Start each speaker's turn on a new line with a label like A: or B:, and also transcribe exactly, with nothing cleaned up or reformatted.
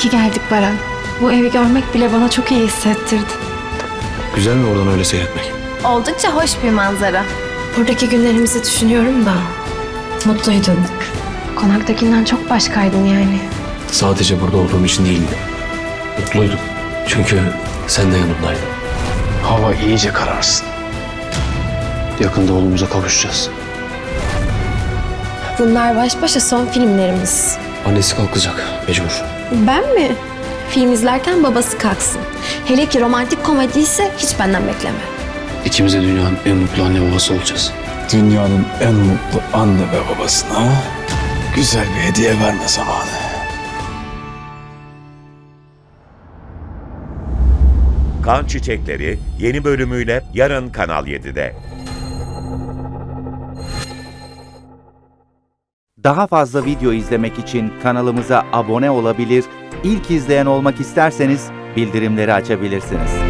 A: ki geldik Baran. Bu evi görmek bile bana çok iyi hissettirdi.
B: Güzel mi oradan öyle seyretmek?
C: Oldukça hoş bir manzara.
A: Buradaki günlerimizi düşünüyorum da mutluydun. Konaktakinden çok başkaydın yani.
B: Sadece burada olduğum için değildi. Mutluydum. Çünkü sen de yanımdaydın. Hava iyice kararsın. Yakında oğlumuza kavuşacağız.
A: Bunlar baş başa son filmlerimiz.
B: Annesi kalkacak mecbur.
A: Ben mi? Film izlerken babası kalksın. Hele ki romantik komedi ise hiç benden bekleme.
B: İkimiz de dünyanın en mutlu anne babası olacağız.
D: Dünyanın en mutlu anne ve babasına güzel bir hediye verme zamanı.
E: Kan Çiçekleri yeni bölümüyle yarın Kanal yedide.
F: Daha fazla video izlemek için kanalımıza abone olabilir, ilk izleyen olmak isterseniz bildirimleri açabilirsiniz.